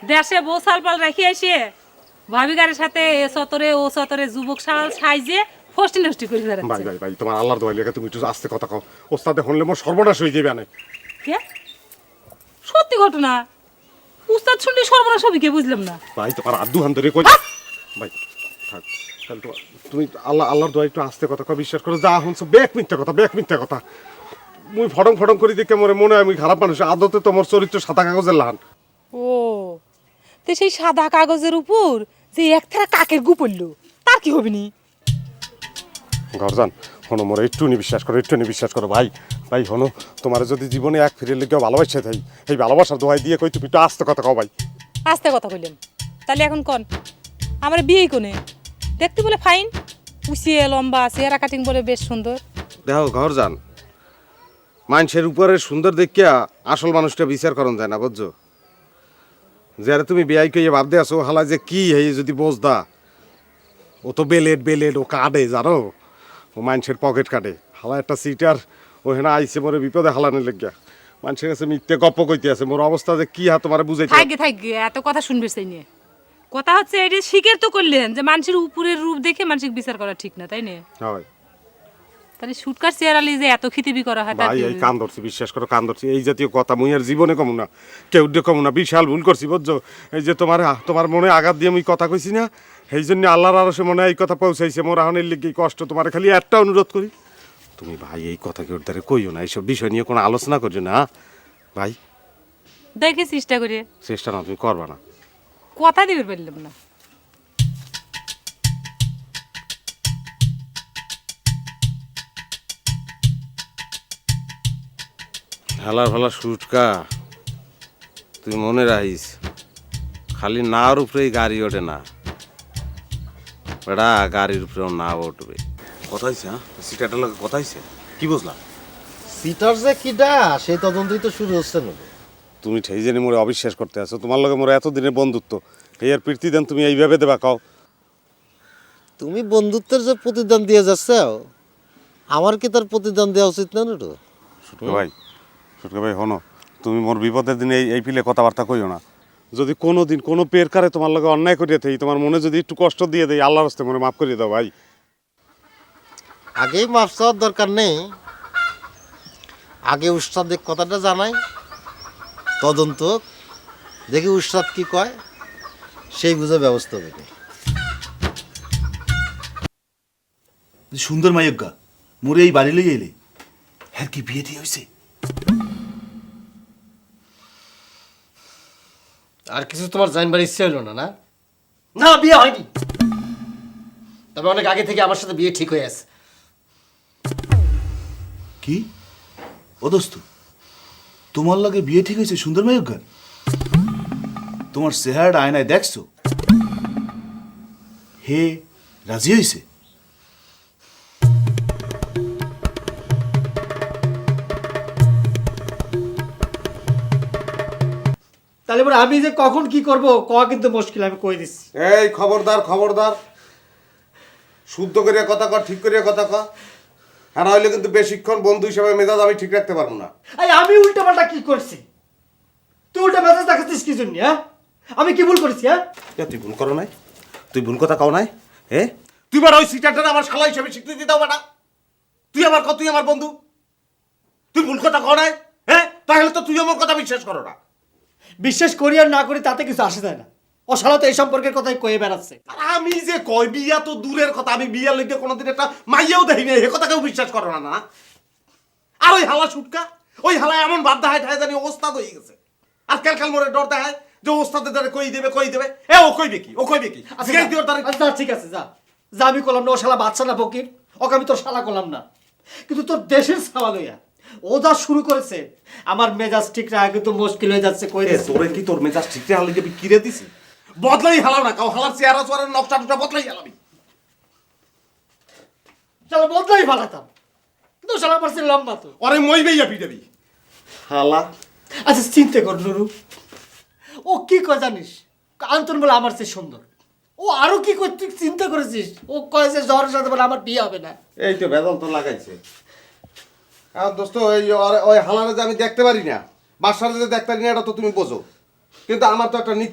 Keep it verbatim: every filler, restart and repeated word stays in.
দেশে বউ সালপাল রেখে এসে ভাবি গারের সাথে এ সতরে ও সতরে যুবক সাল সাইজে ফষ্টি নষ্টি করে ভাই বেড়াচ্ছে। ভাই ভাই তোমার আল্লাহর দোয়াই লেগে তুমি একটু আস্তে কথা কও। ওস্তাদে হনলে মোর সর্বনাশ হয়ে যাবে না। কে? সত্যি ঘটনা? উস্তাদ শুনলে সর্বনাশ হবে কে বুঝলাম না। ভাই তোমার আদু হান ধরে কই ভাই থাক তাহলে তো তুমি আল্লাহ আল্লাহর দোয়াই একটু আস্তে কথা কও, বিশ্বাস করো যা শুনছো বেক মিথ্যা কথা বেক মিথ্যা কথা। মুই ফটং ফটং করে দেখে মরে মনে হয় আমি খারাপ মানুষ, আদতে তোমার চরিত্র সাদা কাগজের লাহান। ও তো সেই সাদা কাগজের উপর যে একথারা কাকের গু পড়লো তার কি হবে নি? ঘরজান হনো মোরে একটু নি বিশ্বাস করো, একটু নি বিশ্বাস করো ভাই। ভাই হনো তোমার যদি জীবনে এক ফিরে লেগে ভালোবাসে থাই এই ভালোবাসার দোয়াই দিয়ে কই তুমি একটু আস্তে কথা কও ভাই। আস্তে কথা কইলাম তাহলে এখন কন আমার বিয়েই কোনে? দেখতে বলে ফাইন, উচিয়ে লম্বা, চেহারা কাটিং বলে বেশ সুন্দর। দেখো ঘরজান মানুষের উপরে সুন্দর দেখিয়া আসল মানুষটা বিচার করন যায় না বুঝছো। যারা তুমি বিয়াই কইয়ে ভাবতে আসো হালা যে কি এই যদি বোঝদা ও তো বেলেট বেলেট ও কাটে জানো, ও মানুষের পকেট কাটে। হালা একটা সিটার ও হেনা আইসে মোরে বিপদে হালানের লেগিয়া মানুষের কাছে মিথ্যে গপ্প কইতে আছে। মোর অবস্থা যে কি হা তোমার বুঝাইতে। থাকবে থাকবে এত কথা শুনবে সেই নিয়ে। কথা হচ্ছে এটা স্বীকার তো করলেন যে মানুষের উপরের রূপ দেখে মানসিক বিচার করা ঠিক না, তাই না? হয় তাহলে শুটকার চেয়ারালি যে এত খিতিবি করা হয় তার ভাই কি এই হইল? কান ধরছি বিশ্বাস করো কান ধরছি। এই জাতীয় কথা মুই আর জীবনে কমু না, কেউ দিয়ে কমু না। বিশাল ভুল করছি বুঝছো। এই যে তোমার তোমার মনে আঘাত দিয়ে আমি কথা কইছি না, সেই জন্য আল্লাহর আরো সে মনে হয় এই কথা পৌঁছাইছে। মোর আহনের লিগে এই কষ্ট। তোমার খালি একটা অনুরোধ করি, তুমি ভাই এই কথা কেউ দ্বারা কইও না, এইসব বিষয় নিয়ে কোনো আলোচনা করছো না ভাই। দেখে চেষ্টা করে চেষ্টা না তুমি করবা না। কথা দিবে পারলাম না। হালার ভালা সুটকা তুই মনে রাখিস, খালি নাওর উপরেই গাড়ি ওঠে না বেড়া, গাড়ির উপরেও না উঠবে। কথা হয়েছে হ্যাঁ সিটাটার লোক কথা হয়েছে কি বুঝলা? সিটার যে কিডা সেই তদন্তই তো শুরু হচ্ছে না। তুমি ঠেই জানি মোরে অবিশ্বাস করতে আছো। তোমার লগে মোরে এতদিনের বন্ধুত্ব, এই আর প্রীতি দেন তুমি এইভাবে দেবা কও? তুমি বন্ধুত্বের যে প্রতিদান দিয়ে যাচ্ছ, আমার কি তার প্রতিদান দেওয়া উচিত না নুটু? সুটকা ভাই সুটকা ভাই হনো, তুমি মোর বিপদের দিনে এই এই পিলে কথাবার্তা কইও না। যদি কোনো দিন কোনো পের কারে তোমার লগে অন্যায় করিয়া থাকি, তোমার মনে যদি একটু কষ্ট দিয়ে দেয়, আল্লাহর রাস্তায় মনে মাফ করিয়ে দাও ভাই। আগেই মাফ চাওয়ার দরকার নেই, আগে উস্তাদের কথাটা জানাই, তদন্ত দেখি উস্তাদ কি কয় সেই বুঝে ব্যবস্থা দেখি। সুন্দর মায়জ্ঞা মোরে এই বাড়ি লই এলে হ্যাঁ কি বিয়ে দিয়ে হয়েছে? আর কিছু তোমার জানবার ইচ্ছে হলো না? না না, বিয়ে হয়নি, তবে অনেক আগে থেকে আমার সাথে বিয়ে ঠিক হয়ে আছে। কি ও দোস্ত, তোমার লাগে বিয়ে ঠিক হয়েছে সুন্দর মায়জ্ঞার? তোমার চেহারাটা আয়নায় দেখছো? হে রাজি হয়েছে? তাহলে এবার আমি যে কখন কি করব কয়া কিন্তু মুশকিল, আমি কই দিচ্ছি। এই খবরদার খবরদার, শুদ্ধ করিয়া কথা কর, ঠিক করিয়া কথা কর। হ্যাঁ নইলে কিন্তু বেশিক্ষণ বন্ধু হিসেবে মেজাজ আমি ঠিক রাখতে পারবো না। এই আমি উল্টা পাল্টা কি করছি? তুই উল্টা মেজাজ দেখাচ্ছিস কি জন্য? হ্যাঁ আমি কি ভুল করেছি? হ্যাঁ এ, তুই ভুল করো নাই, তুই ভুল কথা কও নাই। হে তুই বার ওই সিটারটা আমার শালা হিসেবে স্বীকৃতি দাও বেটা। তুই আমার কত, তুই আমার বন্ধু, তুই ভুল কথা কও নাই। হ্যাঁ তাহলে তো তুই আমার কথা বিশ্বাস করো না। বিশ্বাস করি আর না করি তাতে কিছু আসে যায় না। ও শালা তো এই সম্পর্কের কথাই কয়ে বেড়াচ্ছে। আর আমি যে কই বিয়া তো দূরের কথা, আমি বিয়ার লেগে কোনোদিন একটা মাইয়াও দেখি নাই, এ কথা কেউ বিশ্বাস করো না না। আর ওই হালা সুটকা, ওই হালা এমন বাদ দেখায় ঠায় জানি ওস্তাদ হয়ে গেছে। আর কাল কাল মোরে ডর দেখায় যে ওস্তাদের দ্বারা কই দেবে কই দেবে। এ ও কইবে কি, ও কইবে কি? আচ্ছা জিজ্ঞাসা দিওর তারে। আচ্ছা, ঠিক আছে, যা যা, আমি করলাম না। ও শালা বাচ্চা না ফকির, ওকে আমি তোর শালা করলাম না। কিন্তু তোর দেশের ছাওয়া লইয়া ও যা শুরু করেছে, আমার মেজাজ ঠিক রাখা কিন্তু মুশকিল হয়ে যাচ্ছে। কই এ দিচ্ছি। তোরে কি তোর মেজাজ ঠিক হালে যাবি কিরে দিছি? বদলাই হালাও না, কাও হালার চেহারা চেহারা নকশা টকশা বদলাই হালাবি। শালা বদলাই ফালাতাম, কিন্তু শালা আমার চেয়ে লম্বা তো। ওরে মই বেইয়া পিটাবি হালা। আচ্ছা চিন্তা কর নুরু, ও কি কয় জানিস? আন্তন বলে আমার চেয়ে সুন্দর। ও আরো কি কর, তুই চিন্তা করেছিস? ও কয় যে জ্বরের সাথে বলে আমার বিয়ে হবে না। এই তো বেদল তো লাগাইছে। আর দোস্ত এই ওই হালারে যে আমি দেখতে পারি না, বাসারে যে দেখতে পারি না, এটা তো তুমি বোঝো। কিন্তু আমার তো একটা নীতি